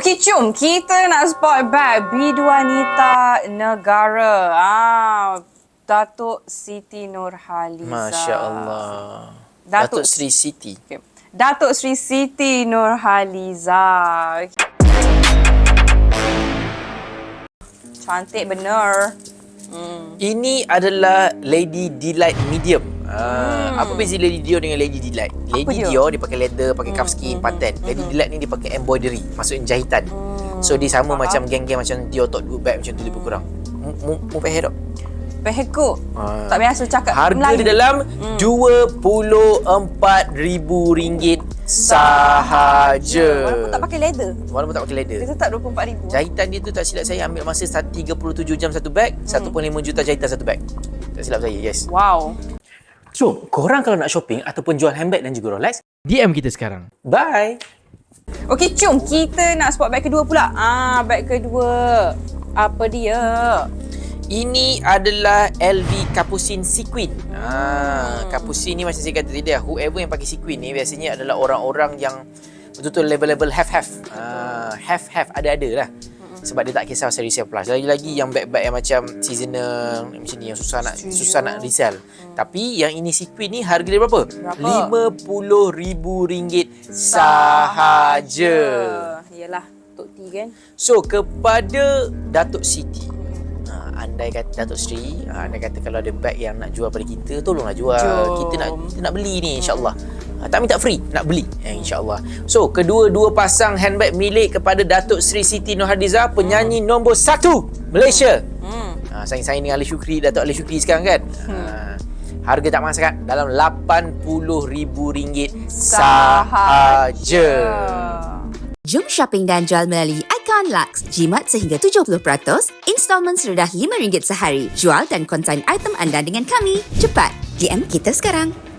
Okey, jom kita nak spot bag bidu wanita negara. Datuk Siti Nurhaliza. Masya Allah. Datuk Sri Siti. Okay. Datuk Sri Siti Nurhaliza. Cantik benar. Ini adalah Lady Delight Medium. Apa beza Lady Dior dengan Lady Delight? Lady Dior dia pakai leather, pakai cuff skin, pattern. Lady Delight ni dia pakai embroidery, maksudnya jahitan. So dia sama macam geng-geng macam Dior Tote Bag macam tu lebih kurang. Mu pahal tak? Pehekuk. Tak biasa cakap Harga Melayu. di dalam RM24,000 sahaja. Walaupun tak pakai leather. Walaupun tak pakai leather. Dia tetap RM24,000. Jahitan dia tu tak silap saya ambil masa 37 jam satu bag, 1.5 juta jahitan satu bag. Tak silap saya, yes. Wow. So, korang kalau nak shopping ataupun jual handbag dan juga Rolex, DM kita sekarang. Bye! Okey, jom kita nak spot bag kedua pula. Bag kedua. Apa dia? Ini adalah LV Capucine Sequin. Capucine ni macam saya kata tadi, whoever yang pakai sequin ni biasanya adalah orang-orang yang betul-betul level-level have. Have ada lah. Sebab dia tak kisah pasal resale plus. Lagi-lagi yang bag-bag yang macam seasonal macam ni yang susah nak resell. Tapi yang ini sequin ni harga dia berapa? RM50,000 sahaja. Yalah, Tok T kan. So kepada Datuk Siti, andai kata Datuk Sri, andai kata kalau ada bag yang nak jual pada kita, tolonglah jual. Kita nak beli ni insya-Allah. Tak minta free, nak beli insya-Allah. So, kedua-dua pasang handbag milik kepada Datuk Sri Siti Nurhaliza, penyanyi nombor 1 Malaysia. Saing-saing dengan Ali Shukri, Datuk Ali Shukri sekarang kan. Harga tak mahal sangat, dalam RM80,000 sahaja. Jom shopping dan jual melalui Icon Lux. Jimat sehingga 70%, installment serendah RM5 sehari. Jual dan konsign item anda dengan kami. Cepat, DM kita sekarang.